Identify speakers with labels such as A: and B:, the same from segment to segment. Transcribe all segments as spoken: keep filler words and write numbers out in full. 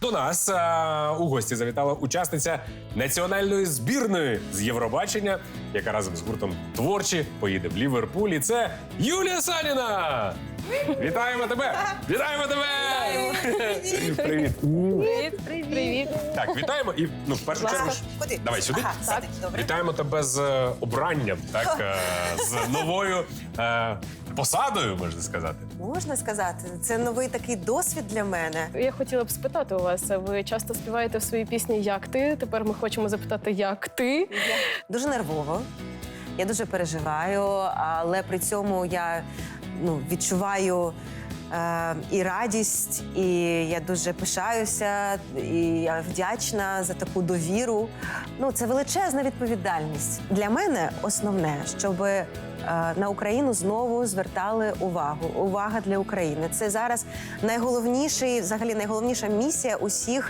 A: До нас а, у гості завітала учасниця національної збірної з Євробачення, яка разом з гуртом «Творчі» поїде в Ліверпуль. І це Юлія Саніна! Вітаємо тебе! Вітаємо тебе! Привіт!
B: Привіт, привіт. Привіт.
A: Так, вітаємо і, ну, в першу чергу, ж-
C: Куди?
A: давай сюди.
C: Ага, сюди, добре.
A: Вітаємо тебе з е, обранням, так, е, з новою е, посадою, можна сказати.
C: Можна сказати, це новий такий досвід для мене.
B: Я хотіла б спитати у вас, ви часто співаєте в своїй пісні «Як ти?». Тепер ми хочемо запитати «Як ти?».
C: Дуже нервово, я дуже переживаю, але при цьому я ну, відчуваю е, і радість, і я дуже пишаюся, і я вдячна за таку довіру. Ну, це величезна відповідальність. Для мене основне, щоб е, на Україну знову звертали увагу. Увага для України. Це зараз найголовніший, взагалі найголовніша місія усіх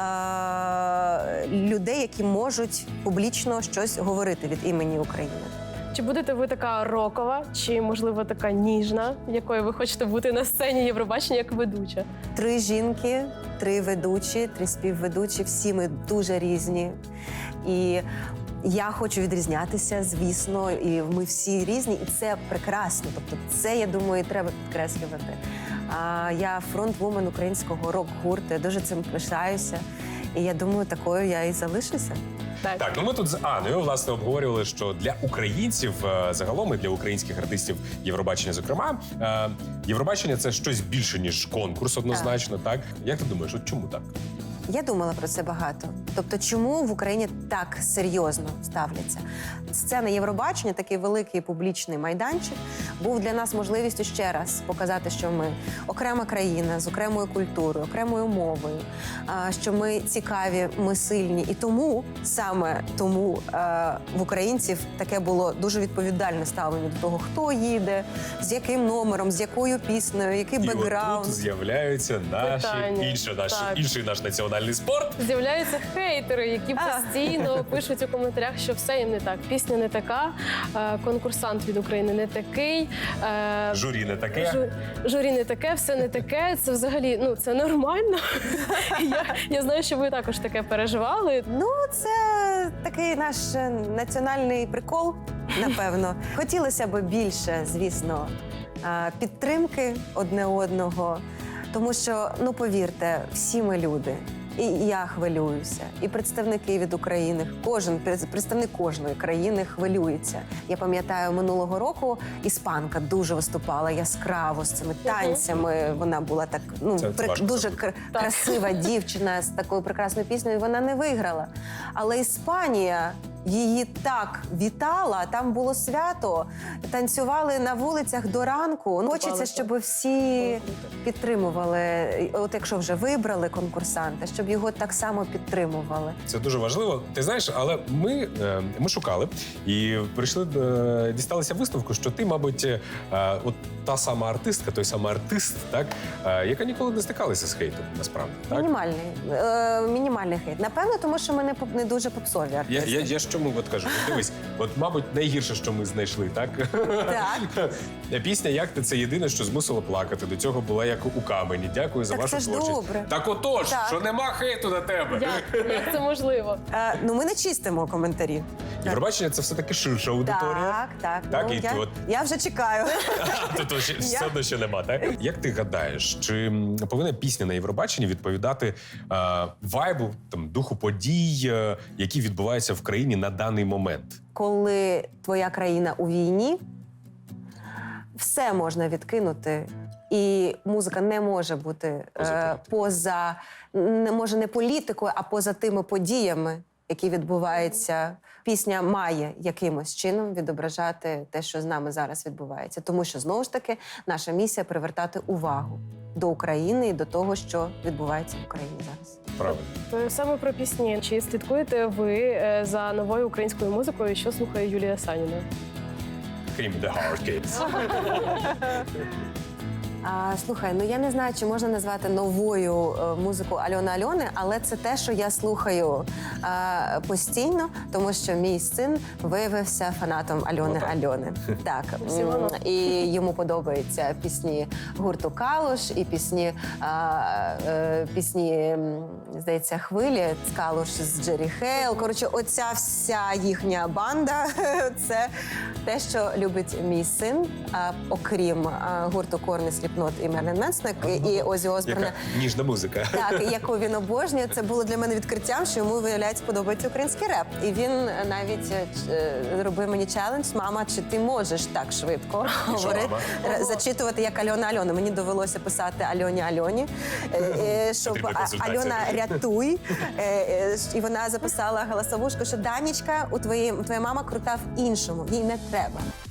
C: е, людей, які можуть публічно щось говорити від імені України.
B: Чи будете ви така рокова, чи, можливо, така ніжна, якою ви хочете бути на сцені Євробачення як ведуча?
C: Три жінки, три ведучі, три співведучі. Всі ми дуже різні. І я хочу відрізнятися, звісно, і ми всі різні, і це прекрасно. Тобто це, я думаю, треба підкреслювати. А я фронтвумен українського рок-гурту, я дуже цим пишаюся. І я думаю, такою я і залишуся.
B: Так.
A: Так, ну ми тут з Аною, власне, обговорювали, що для українців е, загалом і для українських артистів Євробачення, зокрема, е, Євробачення – це щось більше, ніж конкурс, однозначно, так? Як ти думаєш, от чому так?
C: Я думала про це багато. Тобто, чому в Україні так серйозно ставляться? Сцена Євробачення, такий великий публічний майданчик, був для нас можливістю ще раз показати, що ми окрема країна з окремою культурою, окремою мовою, а, що ми цікаві, ми сильні. І тому, саме тому а, в українців таке було дуже відповідальне ставлення до того, хто їде, з яким номером, з якою піснею, який
A: І
C: бекграунд.
A: отут з'являються наші,
B: Питання.
A: інші, наш,
B: Так.
A: інший наш національний спорт.
B: З'являються хейтери, які постійно пишуть у коментарях, що все їм не так. Пісня не така, е, конкурсант від України не такий, е,
A: Журі не таке.
B: жу- журі не таке, все не таке. Це взагалі, ну, це нормально. я, я знаю, що ви також таке переживали.
C: Ну, це такий наш е, національний прикол, напевно. Хотілося б більше, звісно, е, підтримки одне одного, тому що, ну, повірте, всі ми люди. І я хвилююся, і представники від України, кожен представник кожної країни хвилюється. Я пам'ятаю, минулого року іспанка дуже виступала яскраво з цими танцями. Вона була так, ну
A: Це- це
C: прик-
A: важко
C: дуже
A: зробити.
C: кр- красива дівчина з такою прекрасною піснею. і Вона не виграла. Але Іспанія її так вітала. Там було свято, танцювали на вулицях до ранку. Ну, хочеться, щоб всі підтримували. От якщо вже вибрали конкурсанта, щоб його так само підтримували.
A: Це дуже важливо. Ти знаєш, але ми, е, ми шукали і прийшли, е, дісталися висновку, що ти, мабуть, е, от та сама артистка, той самий артист, так, е, яка ніколи не стикалася з хейтом, насправді. Так?
C: Мінімальний, е, мінімальний хейт. Напевно, тому що ми не, поп- не дуже попсові
A: Я,
C: артисти.
A: я, я ж чому от кажу? От дивись, от, мабуть, найгірше, що ми знайшли, так?
C: Так.
A: Пісня «Як ти» – це єдине, що змусило плакати. До цього була як у камені. Дякую за
C: Так
A: вашу
C: це ж
A: творчість.
C: добре.
A: Так отож,
C: Так.
A: що нема хейту на тебе.
B: Як, як це можливо?
C: Е, ну, ми не чистимо коментарі.
A: Євробачення – це все-таки ширша аудиторія.
C: Так, так.
A: Так,
C: ну,
A: і
C: я,
A: ти от-
C: я вже чекаю.
A: Тут ще, все одно ще нема, так? Як ти гадаєш, чи м, повинна пісня на Євробаченні відповідати е, вайбу, там, духу подій, е, які відбуваються в країні на даний момент?
C: Коли твоя країна у війні, все можна відкинути. І музика не може бути
A: Поза
C: е,
A: політикою.
C: поза, не може не політикою, а поза тими подіями, які відбуваються. Пісня має якимось чином відображати те, що з нами зараз відбувається. Тому що, знову ж таки, наша місія – привертати увагу до України і до того, що відбувається в Україні зараз.
A: Правильно.
B: То саме про пісні. Чи слідкуєте ви е, за новою українською музикою, що слухає Юлія Саніна?
A: Крім The Hard Kids.
C: А, слухай, ну я не знаю, чи можна назвати новою е, музику Альони Альони, але це те, що я слухаю е, постійно, тому що мій син виявився фанатом Альони
A: Отак.
C: Альони. Так.
B: Всі воно.
C: М, І йому подобаються пісні гурту Калуш і пісні, а, е, пісні, м, здається, хвилі з Калуш з Джері Хейл. Коротше, оця вся їхня банда це те, що любить мій син, а, окрім а, гурту Корни, Сліпнот і Мерлін Менсон, і Озі Осборна.
A: Яка ніжна музика.
C: Так, яку він обожнює. Це було для мене відкриттям, що йому, виявляється, подобається український реп. І він навіть е, ч- е, зробив мені челендж: мама, чи ти можеш так швидко говорити,
A: мама?
C: р- зачитувати як Альона Альона. Мені довелося писати Альоні Альоні, е, е, щоб
A: Потрібна
C: а-
A: консультація.
C: Альона рятуй. Е, е, І вона записала голосовушку, що Данічка, у твоїй твоя мама крута в іншому, їй не треба.